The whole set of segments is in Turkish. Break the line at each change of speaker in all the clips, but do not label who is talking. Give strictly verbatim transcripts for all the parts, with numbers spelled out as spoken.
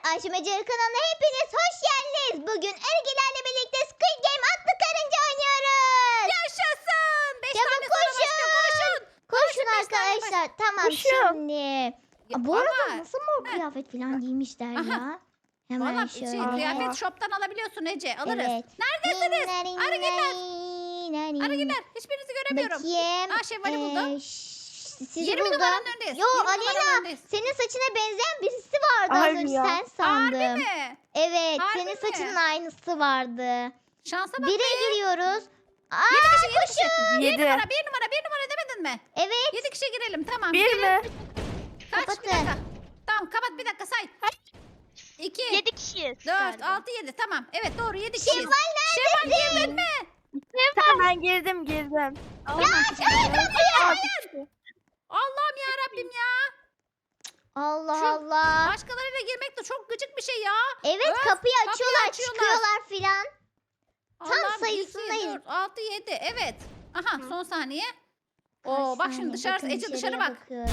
Ayşem Ece kanalına hepiniz hoş geldiniz. Bugün Ergilerle birlikte Squid Game adlı karınca oynuyoruz.
Yaşasın. Beş
Çabuk
tane sonra
koşun.
başlıyor, koşun.
Koşun
beş tane
arkadaşlar. Tamam
Koşuyorum.
şimdi.
Ya,
Aa, bu arada
ama-
nasıl mor kıyafet falan giymişler
Aha.
ya. Hemen
Valla
şöyle.
şey, kıyafet shop'tan alabiliyorsun Ece. Alırız.
Evet.
Neredesiniz?
Nari,
Arıgiller.
nari, nari.
Arıgiller. Hiçbirinizi göremiyorum.
Bakayım.
Aa, Şevval'i buldum.
Ee, ş- Sizi
yirmi
buldum.
numaranın önündeyiz.
Yo,
yirmi
Aleyna,
numaranın önündeyiz.
Senin saçına benzeyen birisi vardı az
Harbi
önce
ya.
sen sandım.
Harbi mi?
Evet,
Harbi
senin
mi?
saçının aynısı vardı.
Şansa bak
Bire
be.
giriyoruz. Aa,
Yedi kişi, yedi kişi. Bir
Yedi.
numara, bir numara, bir numara demedin mi?
evet.
Yedi kişi girelim. Tamam.
Bir
girelim.
mi?
Kaç? Bir
Kapatın.
dakika. Tamam, kapat bir dakika say. İki,
Yedi kişiyiz.
dört,
galiba.
altı, yedi. Tamam. Evet doğru yedi kişiyiz.
Şevval
Şevval
neredesin?
girdin mi?
Tamam ben girdim girdim.
Tamam.
Hayır.
Allah'ım ya Rabbim ya.
Allah
Şu-
Allah.
Başkalarıyla girmek de çok gıcık bir şey ya.
Evet,
Öf,
kapıyı
kapıyı
açıyorlar,
açıyorlar.
çıkıyorlar filan.
Allah'ım,
sayısındayız.
iki, dört, altı, yedi. Evet. Aha
Hı.
son saniye.
Kaç
Oo bak
saniye?
şimdi dışarı
Bakın
Ece dışarı
dışarıya
bak.
bakıyorum.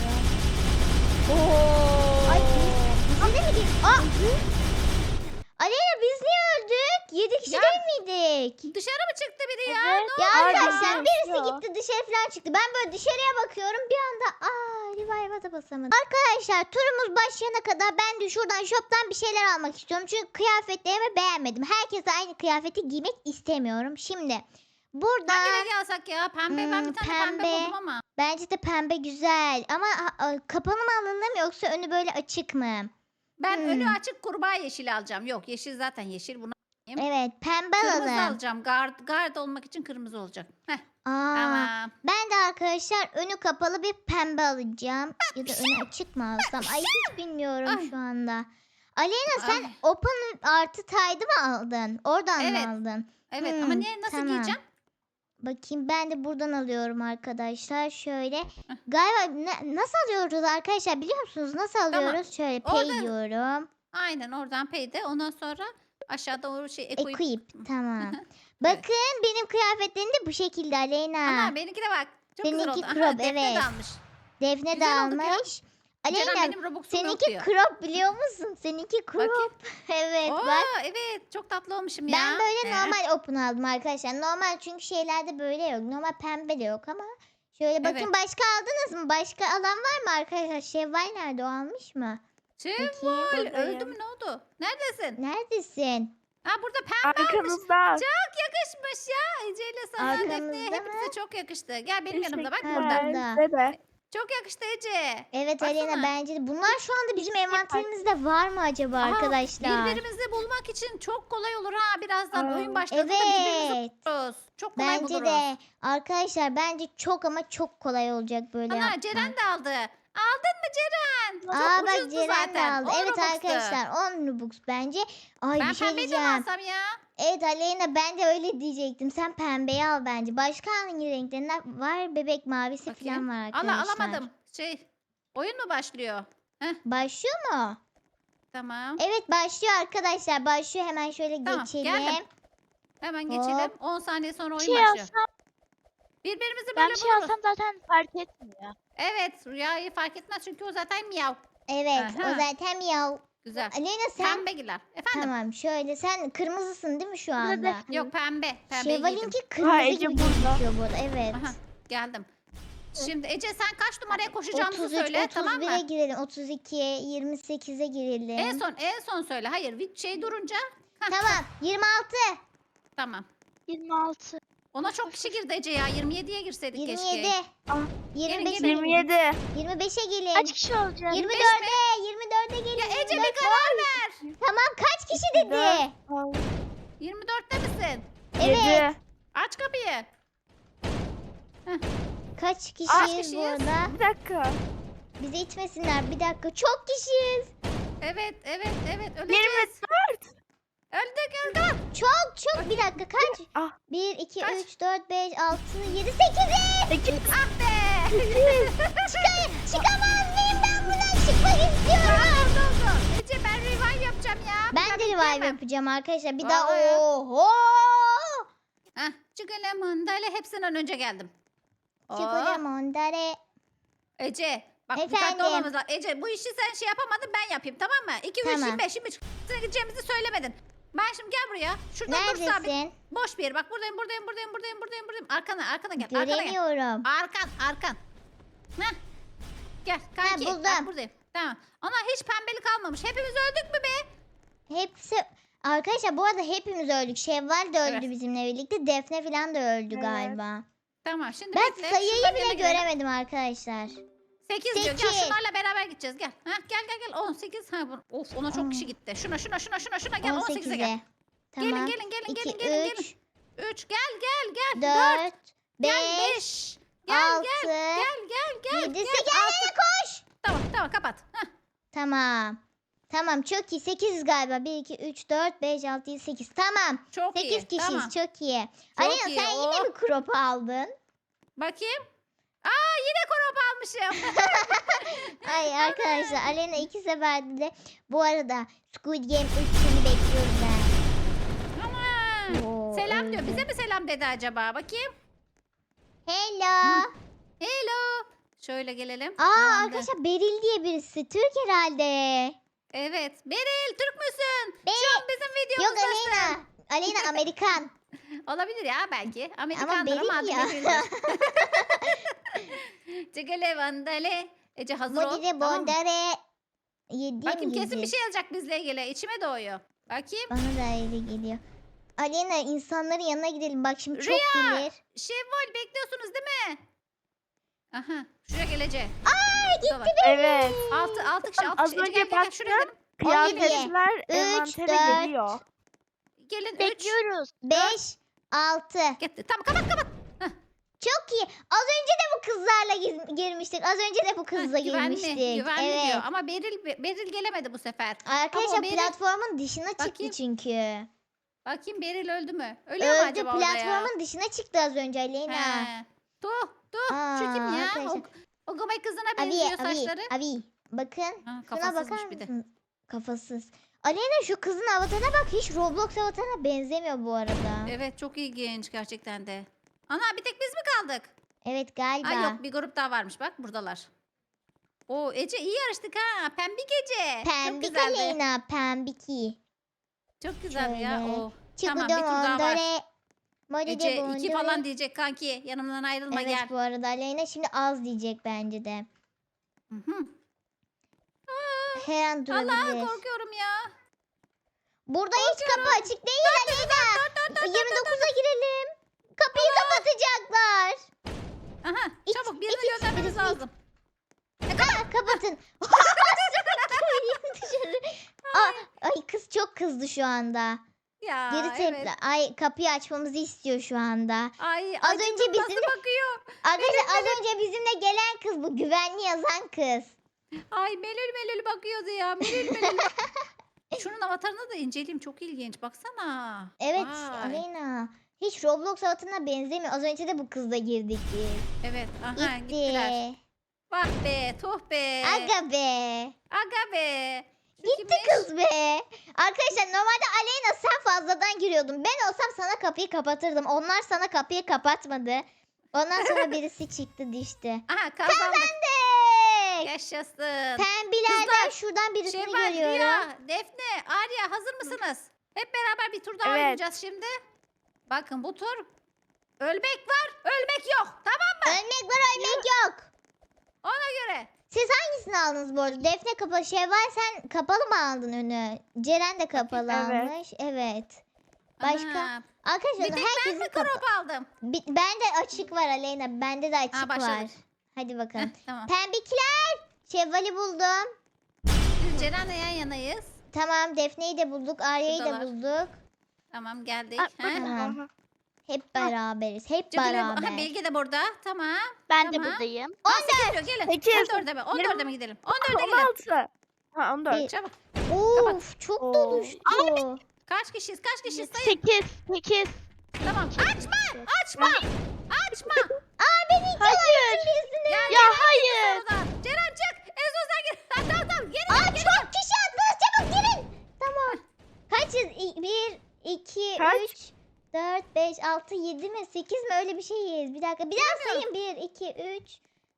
Oo.
Ay biz, bize de mi gir- Aa! Aleyna biz niye öldük? Yedi kişi
Ya,
değil miydik?
Dışarı mı çıktı biri ya?
Evet.
Ya
Harbi
arkadaşlar
ya.
birisi
Ya.
gitti dışarı falan çıktı. Ben böyle dışarıya bakıyorum bir anda aa revive'a da basamadım. Arkadaşlar turumuz başlayana kadar ben de şuradan shop'tan bir şeyler almak istiyorum. Çünkü kıyafetlerimi beğenmedim. Herkese aynı kıyafeti giymek istemiyorum. Şimdi burada
Hangi rengi alsak ya? Pembe. Ben
Hmm,
bir tane pembe,
pembe.
buldum ama.
bence de pembe güzel. Ama a- a- kapalı mı alınır mı yoksa önü böyle açık mı?
Ben
Hmm.
önü açık kurbağa yeşili alacağım. Yok yeşil zaten yeşil. Bunu
Evet pembe
kırmızı
alalım.
alacağım. Guard, guard olmak için kırmızı olacak. Heh,
Aa,
tamam.
ben de arkadaşlar önü kapalı bir pembe alacağım. Ya da önü açık mı alsam? Ay hiç bilmiyorum
Ay.
şu anda. Aleyna sen
Ay.
Open artı taydı mı aldın? Oradan
Evet.
mı aldın?
Evet ama
Hmm,
niye nasıl
tamam.
giyeceğim?
Bakayım ben de buradan alıyorum arkadaşlar. Şöyle. Galiba ne- nasıl alıyoruz arkadaşlar biliyor musunuz? Nasıl alıyoruz? Şöyle pay
Orada-
diyorum.
Aynen oradan payde. Ondan sonra aşağıda o şey equip.
Equip. Tamam. Bakın benim kıyafetlerim de bu şekilde Aleyna.
Ama benimkine bak. Çok güzel
Seninki
oldu. Aha,
crop,
Defne de
evet.
almış.
Defne de
Güzel olduk ya.
almış.
Ceren
Aleyna
benim Robux'um yok
seninki
diyor.
crop biliyor musun? Seninki crop.
Bakayım.
Evet
Oo,
bak.
evet çok tatlı olmuşum ya.
Ben böyle
Ee,
normal open aldım arkadaşlar. Normal çünkü şeylerde böyle yok. Normal pembe de yok ama. Şöyle bakın
Evet.
başka aldınız mı? Başka alan var mı arkadaşlar? Şevval nerede o almış mı? Bakayım.
Şevval öldü
Buradayım.
mü ne oldu? Neredesin?
Neredesin?
Ha burada pembe almış.
Arkanızda.
Çok yakışmış ya. Ece ile sana
Arkamızda
Defne'ye
mı?
hepinize çok yakıştı. Gel benim yanımda bak
Teşekkürler.
burada.
burada.
Size de.
Çok yakıştı Ece.
Evet
Baksana.
Aleyna bence de. Bunlar şu anda bizim
Teşekkür
envanterimizde var mı acaba
Aha,
arkadaşlar?
Birbirimizi bulmak için çok kolay olur ha. Birazdan
Aa,
oyun başladığında birbirimizi
Evet.
buluruz. Çok kolay
Bence
buluruz.
de. Arkadaşlar bence çok ama çok kolay olacak böyle
Ana
yapmak.
Ceren de aldı. Aldın mı Ceren? Çok
Aa bak
ucuzdu
Ceren de
zaten.
aldı.
on
Evet
Robux'tu.
arkadaşlar on Robux bence. Ay
Ben
bir şey
pembeyi de mi
diyeceğim.
alsam ya?
Evet Aleyna ben de öyle diyecektim. Sen pembeyi al bence. Başka hangi renklerinden var? Bebek mavisi
Bakayım.
falan var
Ala
arkadaşlar.
alamadım. Şey oyun mu başlıyor?
Başlıyor mu?
Tamam.
Evet başlıyor arkadaşlar. Başlıyor hemen şöyle
Tamam,
geçelim.
geldim. Hemen geçelim.
Hop.
on saniye sonra oyun
Şey
başlıyor.
alsam,
Birbirimizi böyle
ben bir şey
buluruz.
alsam zaten fark etmiyor.
Evet Rüyayı fark etmez çünkü o zaten miyav.
Evet o
Aha.
zaten miyav.
Güzel.
Aleyna sen
Pembe giler. Efendim?
tamam şöyle sen kırmızısın değil mi şu
Burada
anda?
da-
Yok pembe. Pembeyi giydim.
Şevval'inki kırmızı
Ha, Ece
gibi
burada.
gözüküyor bu arada. Evet.
Aha, geldim. Şimdi Ece sen kaç numaraya koşacağımızı
otuz üç,
söyle tamam
otuz bire
mı?
girelim. otuz iki, yirmi sekize girelim.
En son en son söyle. Hayır bir şey durunca. Hah,
Tamam yirmi altı,
Tamam.
yirmi altı.
Ona çok kişi girdi Ece ya. yirmi yediye girseydik
yirmi
keşke.
yedi,
Ah,
yirmi
gelin,
beşe
gelin.
yirmi
gelin.
yedi.
yirmi beşe gelin.
Kaç kişi olacak?
yirmi
beş
dörde, yirmi dörde gelin.
Ya Ece
yirmi
bir
dört.
karar ver.
Tamam kaç kişi dedi?
yirmi dörtte misin?
Evet.
Yedi.
Aç kapıyı.
Kaç
Kaç
kişiyiz bu
kişiyiz?
arada?
Bir dakika.
Bizi içmesinler bir dakika. Çok kişiyiz.
Evet evet evet öleceğiz.
yirmi dört.
Öldük öldük.
Çok çok bir dakika kaç?
Ah.
bir, iki,
Kaç?
üç, dört, beş, altı, yedi, sekiz.
sekiz.
Ah be.
Çıkayım. Çıkamaz mıyım ben buradan çıkmak istiyorum.
Oldu oldu. Ece ben revive yapacağım ya.
Ben
Ya
de revive
bekleyemem.
yapacağım arkadaşlar. Bir
Vallahi
daha
ya.
oho.
Heh, çıkalım mandalya hepsinden önce geldim. Oo,
Çıkacağım ondare.
Ece Bak
Efendim?
dikkatli olmamız lazım. Ece bu işi sen şey yapamadın ben yapayım tamam mı? iki, üç,
Tamam.
yirmi beş, yirmi üç. Sana gideceğimizi söylemedin. Ben şimdi gel buraya. Şurada dur sabit.
Neredesin?
Boş bir yer. Bak buradayım buradayım buradayım buradayım buradayım buradayım. Arkana arkana gel. Arkana gel.
Göremiyorum.
Arkan arkan. Heh. Gel kanki.
buldum.
Bak buradayım. Tamam. Ana hiç pembelik almamış. Hepimiz öldük mü be?
Hepsi arkadaşlar bu arada hepimiz öldük. Şevval de öldü
Evet.
bizimle birlikte. Defne falan da öldü
Evet.
galiba.
Tamam şimdi
Ben
bekle.
sayıyı
Şuradan
bile
yana gidelim.
göremedim arkadaşlar.
sekiz diyor. Gel
Sekiz.
şunlarla beraber gideceğiz. Gel. Heh, gel gel gel. on sekiz. Ha, bu- of ona çok
Aa.
kişi gitti. Şuna şuna şuna şuna şuna gel. on sekize gel.
on sekize. Tamam.
Gelin gelin gelin
iki,
gelin gelin gelin.
üç,
üç gel gel gel.
dört,
Gel
beş,
beş. Gel
altı,
gel gel gel gel.
yedi,
gel.
sekiz.
Altı.
Aleyna koş.
Tamam tamam kapat. Heh.
Tamam. Tamam çok iyi. sekiz galiba. bir, iki, üç, dört, beş, altı, yedi, sekiz. Tamam.
Çok iyi.
sekiz kişiyiz.
Tamam.
Çok iyi.
Çok
Aleyna
iyi,
sen yine
oh.
mi crop aldın?
Bakayım. Aa yine krop almışım.
Ay arkadaşlar Aleyna iki seferde de bu arada Squid Game üç seni bekliyoruz ben.
Aman.
Oo,
Selam diyor.
öldü.
Bize mi selam dedi acaba? Bakayım.
Hello.
Hello. Şöyle gelelim.
Aa
Tamamdır.
arkadaşlar Beril diye birisi. Türk herhalde.
Evet. Beril Türk müsün?
Beril.
Şu an bizim
Yok
videomuzdasın.
Aleyna. Aleyna Amerikan.
Olabilir ya belki. Amerikandır
Beril
ama, adı
ya.
Beril'dir. Cigale vandale. Ece hazır ol.
Bodire
Tamam mı?
bondare. Yediğim
Bakayım kesin
gibi.
bir şey yazacak bizle ilgili. İçime doğuyor. Bakayım.
Bana da öyle geliyor. Aleyna insanların yanına gidelim. Bak şimdi çok
Rüya.
gelir.
Şevval bekliyorsunuz değil mi? Aha. Şuraya gelecek.
Aa gitti
Buradalar.
Evet.
Altı, altı kişi, altı
Az
kişi. Ece
önce
gel, gel, gel. Şuraya
baktım.
gidelim. on yedi.
Kıyafetler
Üç,
envantere
dört.
geliyor.
Gelin üç.
Bekliyoruz.
beş, altı.
Gitti. Tamam kapat kapat.
Çok iyi. Az önce de bu kızlarla giz- girmiştik. Az önce de bu kızla
Heh, güvenli,
girmiştik.
güvenli
evet.
diyor. Ama Beril, Beril gelemedi bu sefer.
Arkadaşlar
Ama Beril-
platformun dışına çıktı
Bakayım.
çünkü.
Bakayım Beril öldü mü? Ölüyor mu
Öldü
acaba orada ya?
platformun dışına çıktı az önce Aleyna.
He. Tuh tuh.
Aa,
Şu kim ya?
arkadaşlar.
O, o Gomay kızına
Abi
benziyor
abi
saçları.
abi bakın.
Ha,
Şuna
kafasızmış
bakar
bir de.
mısın? Kafasız. Aleyna şu kızın avatarına bak. Hiç Roblox avatarına benzemiyor bu arada. Evet,
Evet çok ilginç gerçekten de. Ana bir tek biz mi kaldık?
galiba.
Ay yok bir grup daha varmış bak buradalar. Oo Ece iyi yarıştık ha. Pembik Ece. Çok
Pembik
güzeldi.
Aleyna pembiki.
Çok güzeldi ya.
Şöyle.
Oo. Tamam, bir
Çıkıdı
tur daha var.
mondore. Modide
Ece iki
bondore.
falan diyecek kanki. Yanımdan ayrılma
Evet
gel.
bu arada Aleyna şimdi az diyecek bence de.
Hı hı.
Her an
Allah
durabilir.
korkuyorum ya.
Burada hiç kapı açık değil Aleyna. yirmi dokuza girelim. Kapıyı kapatacaklar.
Aha
İç,
çabuk
iç,
birini
iç,
göndermemiz
birisi
lazım.
Aa, kapatın. Dışarı. Aa, ay kız çok kızdı şu anda.
Ya
Geri tepki.
evet.
Ay kapıyı açmamızı istiyor şu anda.
Ay
Az
acıdım
önce
nasıl
bizim de-
bakıyor.
Arkadaşlar az önce bizimle gelen kız bu güvenli yazan kız.
Ay melül melül bakıyordu ya. Melül melül. Şunun avatarını da inceleyeyim. Çok ilginç. Baksana.
Evet
Vay.
Aleyna. Hiç Roblox avatarına benzemiyor. Az önce de bu kızla girdik biz.
Evet. Aha gittiler.
Gitti.
Bak be. Tuh be.
Aga be.
Aga be. Şu
Gitti
kimmiş?
kız be. Arkadaşlar normalde Aleyna sen fazladan giriyordun. Ben olsam sana kapıyı kapatırdım. Onlar sana kapıyı kapatmadı. Ondan sonra birisi çıktı düştü.
Aha kazandık.
Kazandık.
Yaşasın.
Pembilerden
Kızlar,
şuradan birisini
Şevval,
görüyorum.
Rüya, Defne, Arya hazır mısınız? Hep beraber bir tur daha
Evet.
oynayacağız şimdi. Bakın bu tur ölmek var, ölmek yok. Tamam mı?
Ölmek var ölmek yok.
Ona göre.
Siz hangisini aldınız bu arada? Defne kapalı. Şevval sen kapalı mı aldın önü? Ceren de kapalı
Evet.
almış. Evet. Başka?
Ana,
Arkadaşlar
bir tek ben
herkesin
mi
kapalı.
krop aldım?
Bende açık var Aleyna. Bende de açık
başladık.
var. Hadi bakalım.
Heh, tamam.
Pembikler. Şevval'i buldum.
Biz Ceren'le yan yanayız.
Tamam Defne'yi de bulduk. Arya'yı da
Şuradalar.
bulduk.
Tamam geldik.
Aa,
Ha?
Tamam.
Aha.
Hep beraberiz. Hep
Cedile-
beraber.
Aha, Bilge de burada. Tamam.
Ben de
Tamam.
buradayım.
on dört. Gelin.
Sekiz.
on dörde mi? on dörde mi gidelim? on dörde
on
gidelim.
altı. Ha on dört.
Bir-
Çabuk.
Of çok
Oo.
doluştu.
Kaç kişiyiz? Kaç kişiyiz? Sayın.
sekiz. sekiz.
Tamam. Açma. Açma. Açma.
Aa beni iki
Hayır.
Ya,
Ya hayır.
Oradan. Ceren çık. Ezos'a gir. Ha, tamam tamam. Geri
Aa
gel. Geri
çok kişi attınız çabuk girin. Tamam. Kaçız? İ- Bir, iki,
Kaç?
üç, dört, beş, altı, yedi mi? Sekiz mi? Öyle bir şeyiz. Bir dakika. Bir daha sayın. Bir, iki, üç,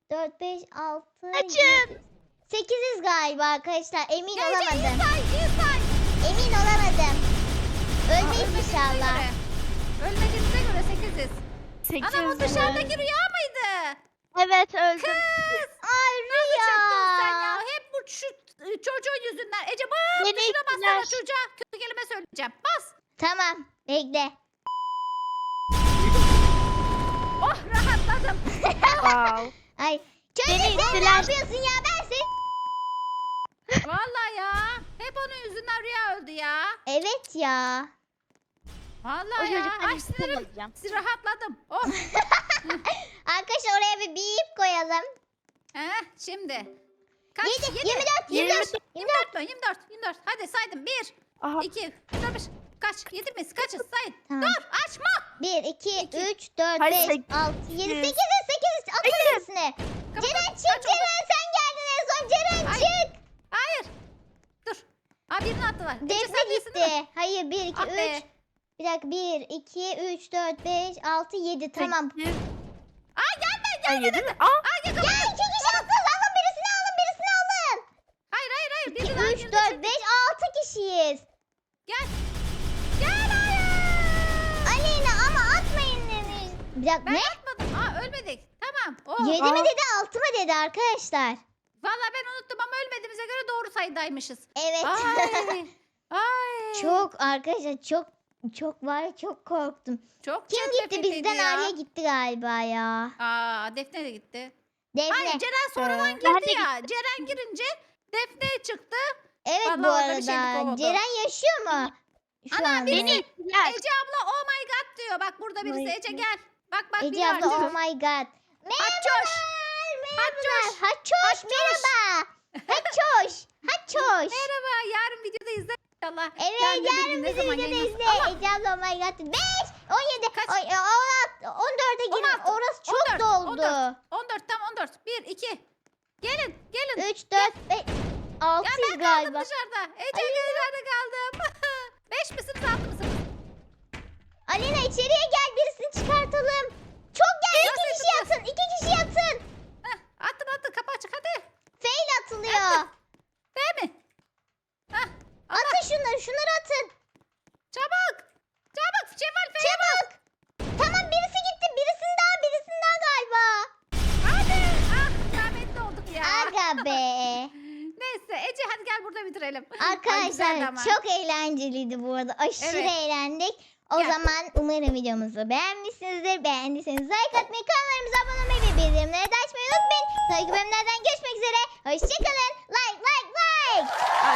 dört, beş, altı,
Açın.
sekiziz galiba arkadaşlar. Emin
Gel, gel,
olamadım.
iyi say, iyi say.
Emin olamadım.
Aa,
Ölmeyiz
ölmediğimize
inşallah.
göre. Ölmediğimize göre sekiziz.
Sekiz.
Anam o dışarıdaki rüya mıydı?
Evet öldüm.
Kız.
Ay
Çıktın sen
Rüya.
ya. Hep bu şu e, çocuğun yüzünden. Ece bak
Beni
tuşuna bassana
ittiler.
çocuğa. Kötü kelime söyleyeceğim. Bas.
Tamam bekle.
Oh rahatladım.
Wow.
Ay. Çocuk
Beni
sen ne
ittiler.
yapıyorsun ya? Ben seni...
Vallahi ya. Hep onun yüzünden rüya öldü ya.
Evet ya.
O
Vallahi ya.
çocuktan
Ay sinirim.
alacağım.
Rahatladım. Oh.
Arkadaşlar oraya bir bip koyalım.
Heh, şimdi. Kaç?
yedi,
Yedi.
yirmi dört, yirmi dört.
yirmi dört mü? yirmi dört. yirmi dört. Hadi saydım. bir,
Aha.
iki, üç, dört, beş. Kaç? yedi miyiz? Kaçız? Sayın.
Tamam.
Dur açma.
bir, iki,
İki.
üç, dört,
Hayır,
beş,
sekiz.
altı, yedi,
Sekiz.
sekiz, sekiz. Atın
Hayır.
hepsini.
Kapat.
Ceren
Kaç
çık
oldu?
Ceren sen geldin en son. Ceren
Ay.
çık.
Hayır. Dur. Aa birini attılar. Ece,
Defne
sen değilsin değil mi?
gitti. Hayır bir, iki,
Ah be.
üç. Bir dakika bir, iki, üç, dört, beş, altı, yedi. Tamam.
Sekiz.
Aa gelme
Ay,
gelme.
yedi mi? Aa.
Aa gel
Ya iki kişi attınız. Alın birisini alın birisini alın.
Hayır hayır hayır.
iki,
Biri daha
üç,
girdi
dört,
çünkü.
beş, altı kişiyiz.
Gel. Gel hayır.
Aleyna ama atmayın demiş. Bir dakika
Ben
ne?
atmadım. Aa ölmedik. Tamam. Oh.
Yedi mi
Aa.
dedi altı mı dedi arkadaşlar.
Vallahi ben unuttum ama ölmediğimize göre doğru sayıdaymışız.
Evet.
Ay. Ay.
Çok arkadaşlar çok çok var ya, çok korktum.
Çok
Kim gitti
çetrefilliydi
bizden
ya.
Arya gitti galiba ya.
Aa Defne de gitti.
Defne.
Hayır Ceren sonradan
Ee, ben
girdi
de
ya. Ceren girince Defne çıktı.
Evet
Vallahi
bu
orada bir şeylik
arada.
oldu.
Ceren yaşıyor mu? Şu
Ana,
anda.
Beni ittiler.
Ece abla oh my god diyor. Bak burada birisi.
Ay.
Ece gel. Bak bak
Ece
biri
abla
artık.
oh my god.
Haçoş.
Merhabalar.
Haçoş.
Haçoş.
Haçoş.
Merhaba. Haçoş. Haçoş.
Merhaba. Yarın videoda izle inşallah.
Evet
Yarın
yarın
dedim, ne
bizi
zaman
izle de
yayınlasın.
izle.
Ama
Ece abla oh my god. beş, on yedi,
Kaç?
on altı, on dörde girin.
on altı,
Orası çok
on dört,
doldu.
on dört. on dört tam on dört. bir, iki. Gelin gelin.
üç, dört, beş,
Ya
altıyız
ben kaldım
galiba.
dışarıda. Ece dışarıda kaldım. beş misiniz altı mısınız?
Alena içeriye gel birisini çıkartalım. Çok gel iki
Nasıl
kişi yatın. iki kişi yatın.
Heh, attın attın kapı açık hadi.
Fail atılıyor.
Değil mi? Heh, Allah.
Atın şunları şunları atın.
Çabuk. Çabuk. Şevval Feyye
Çabuk. Tamam birisi gitti. Birisini daha birisini daha galiba.
hadi. Ah rahmetli olduk ya.
Aga be.
Neyse Ece hadi gel burada bitirelim. Ay, güzeldi
Arkadaşlar
ama.
çok eğlenceliydi bu arada. Aşırı
Evet.
eğlendik. O
Gel.
zaman umarım videomuzu beğenmişsinizdir. Beğendiyseniz like atmayı, kanallarımıza abone olmayı ve bildirimleri de açmayı unutmayın. Sonraki bölümlerden görüşmek üzere. Hoşçakalın. Like like like.